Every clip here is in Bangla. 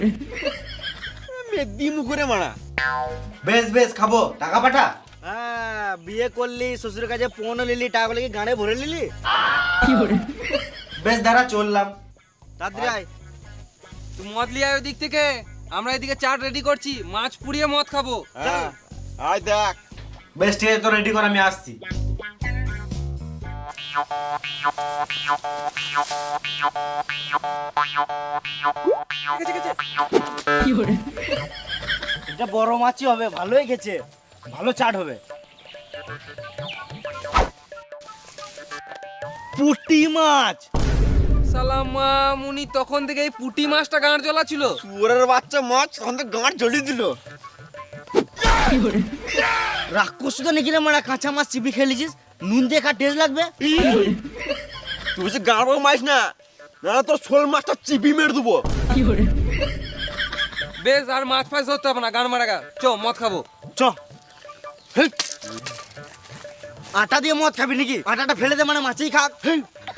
মেদি মুখরে মারা। বেশ বেশ খাবো, টাকা পাঠা। হ্যাঁ, বিয়ে করলি, শ্বশুরের কাছে পৌঁছে নিলি, টাকাগুলো কি গানে ভরে নিলি? বেশ দাঁড়া, চললাম। তাড়াতাড়ি আয়। তুই মদ লিয়ে আয় ওই দিক থেকে, আমরা এদিকে চাট রেডি করছি, মাছ পুড়িয়ে মদ খাবো। হ্যাঁ, আয় দেখ। বেশ ঠিক আছে, তো রেডি কর, আমি আসছি। এটা বড় মাছই হবে, ভালোই গেছে, ভালো চাট হবে। পুঁটি মাছ। সালামা মুনি তখন থেকে এই পুঁটি মাছটা গাঁড় জ্বলা ছিল। শুয়োরের বাচ্চা মাছ তখন তো গাঁট জ্বলিয়ে দিল। রাক্ষস তো নাকি রে মারা, কাঁচা মাছ চিপি খেলেছিস, নুন দিয়ে খা, টেস্ট লাগবে। তুই বলছিস গাঁড় মাছ না, না তোর শোল মাছটা চিপি মেরে দেবো। বেশ, আর মাছ ফাছ ধরতে হবে না, গান মারা গা, চ মদ খাবো। চ। হেই। আটা দিয়ে মদ খাবি নাকি? আটাটা ফেলে দে, মানে মাছই খাক। হেই।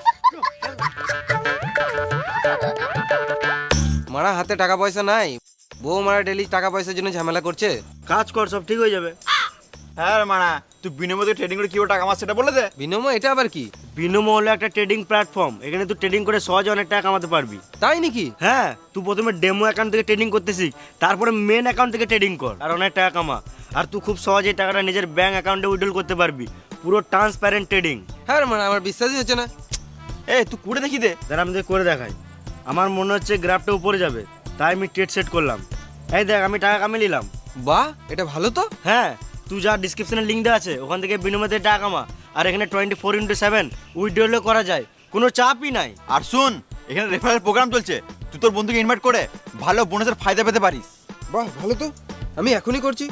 মারা হাতে টাকা পয়সা নাই, বউ মারা ডেলি টাকা পয়সার জন্য ঝামেলা করছে। কাজ কর, সব ঠিক হয়ে যাবে। হ্যাঁ রে মানা, তুই বিনিময়ে ট্রেডিং করে কিভাবে টাকা মাছ সেটা বলে দে। বিনিময় এটা আবার কি? বিনোমো হলো একটা ট্রেডিং প্ল্যাটফর্ম, এখানে তুই ট্রেডিং করে সহজে অনেক টাকা কামাতে পারবি। তাই নাকি? হ্যাঁ, তুই প্রথমে ডেমো অ্যাকাউন্ট থেকে ট্রেডিং করতে শিখ, তারপরে মেন অ্যাকাউন্ট থেকে ট্রেডিং কর, আর অনেক টাকা কামা। আর তুই খুব সহজেই টাকাটা নিজের ব্যাংক অ্যাকাউন্টে উইথড্রল করতে পারবি। পুরো ট্রান্সপারেন্ট ট্রেডিং। হ্যাঁ রে মারা, আমার বিশ্বাসই হচ্ছে না। এ তুই করে দেখি দে। যারা আমি তোকে করে দেখাই, আমার মনে হচ্ছে গ্রাফটা উপরে যাবে, তাই আমি ট্রেড সেট করলাম। এই দেখ, আমি টাকা কামিয়ে নিলাম। বাহ, এটা ভালো তো। হ্যাঁ, তুই যা ডিসক্রিপশনে লিঙ্ক দেওয়া আছে, ওখান থেকে বিনিময়ে টাকা কামা। আর এখানে 24x7 উইথড্রলও করা যায়, কোনো চাপই নাই। আর শুন, এখানে রেফারেল প্রোগ্রাম চলছে, তুই তোর বন্ধুকে ইনভাইট করে ভালো বোনাসের ফায়দা পেতে পারিস। বাহ, ভালো তো, আমি এখনই করছি।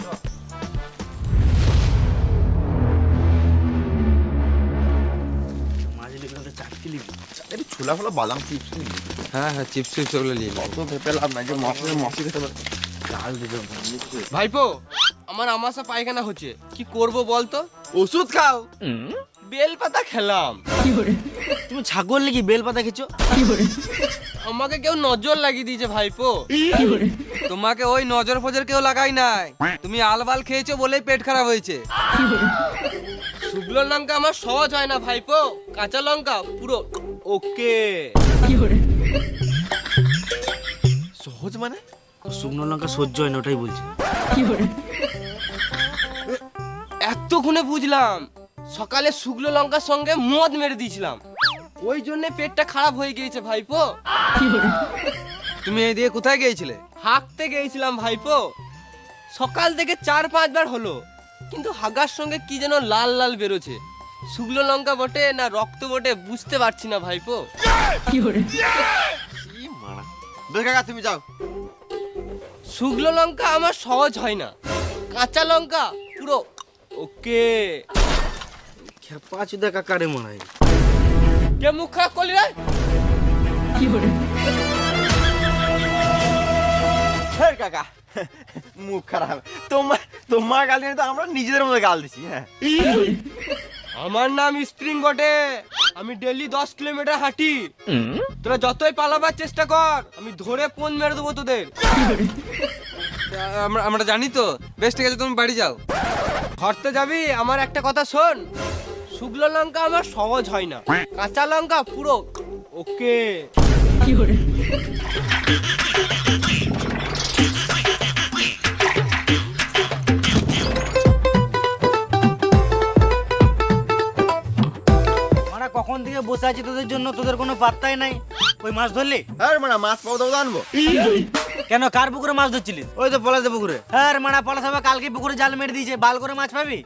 ছোলা ফোলা বাদাম চিপস হ্যাঁ হ্যাঁ, চিপস চিপস ওগুলো নিয়ে নিই। তো ভেপে লাভ নাই যে মশি খেতে পারে। ভাইপো, আমার আমাশা পায়খানা হচ্ছে, কি করব বলতো? ওষুধ খাও। বেল পাতা খেলাম। তুমি ছাগল নাকি বেল পাতা খেছো? আমাকে কেউ নজর লাগিয়ে দিয়েছে ভাইপো। তোমাকে ওই নজর ফজর কেউ লাগাই নাই, তুমি আলবাল খেয়েছো বলেই পেট খারাপ হয়েছে। শুকনো লঙ্কা আমার সহজ হয় না ভাইপো, কাঁচা লঙ্কা পুরো ওকে। সহজ মানে? শুকনো লঙ্কা সহ্য হয় না, ওটাই বলছি। এতক্ষণে বুঝলাম, সকালে শুকনো লঙ্কার সঙ্গে মদ মেরে দিয়েছিলাম, ওই জন্য পেটটা খারাপ হয়ে গিয়েছে ভাইপো। তুমি এই দিয়ে কোথায় গিয়েছিলে? হাঁকতে গিয়েছিলাম ভাইপো, সকাল থেকে 4-5 বার হলো, কিন্তু হাগার সঙ্গে কি যেন লাল লাল বেরোছে, শুকনো লঙ্কা বটে না রক্ত বটে বুঝতে পারছি না ভাইপো। দোষ কাকা, তুমি যাও। শুকনো লঙ্কা আমার সহজ হয় না, কাঁচা লঙ্কা পুরো ওকে। খেপা চুদা কাকারে মনে হয়। কে মুখ খারাপ করলি রে? হ্যাঁ কাকা, মুখ খারাপ। তোমার গাল দিয়ে তো আমরা নিজেদের মধ্যে গাল দিছি। হ্যাঁ, আমার নাম স্প্রিং বটে, আমি ডেইলি 10 কিলোমিটার হাঁটি। তোরা যতই পালাবার চেষ্টা কর, আমি ধরে ফোন মেরে দেবো তোদের। আমরা জানি তো। বেশ ঠিক আছে, তুমি বাড়ি যাও। ঘরতে যাবি? আমার একটা কথা শোন, শুকনো লঙ্কা আমার সহজ হয় না, কাঁচা লঙ্কা পুরো ওকে। মানে কখন থেকে বসে আছি তোদের জন্য, তোদের কোনো পাত্তাই নাই। ওই মাছ ধরলি? হ্যাঁ মানে মাছ পাবো দাও আনবো। কেন, কার পুকুরে মাছ ধরছিলিস? ওই তো পলাশে পুকুরে। হ্যাঁ মানা, পলাশ বাবা কালকে পুকুরে জাল মেরে দিয়েছে, বাল করে মাছ পাবি।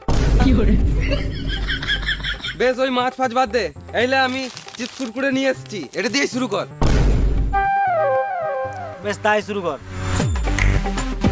বেশ, ওই মাছ ফাছ বাদ দে, এইলে আমি চিপস কুরকুরে নিয়ে এসেছি, এটা দিয়ে শুরু কর। বেশ, তাই শুরু কর।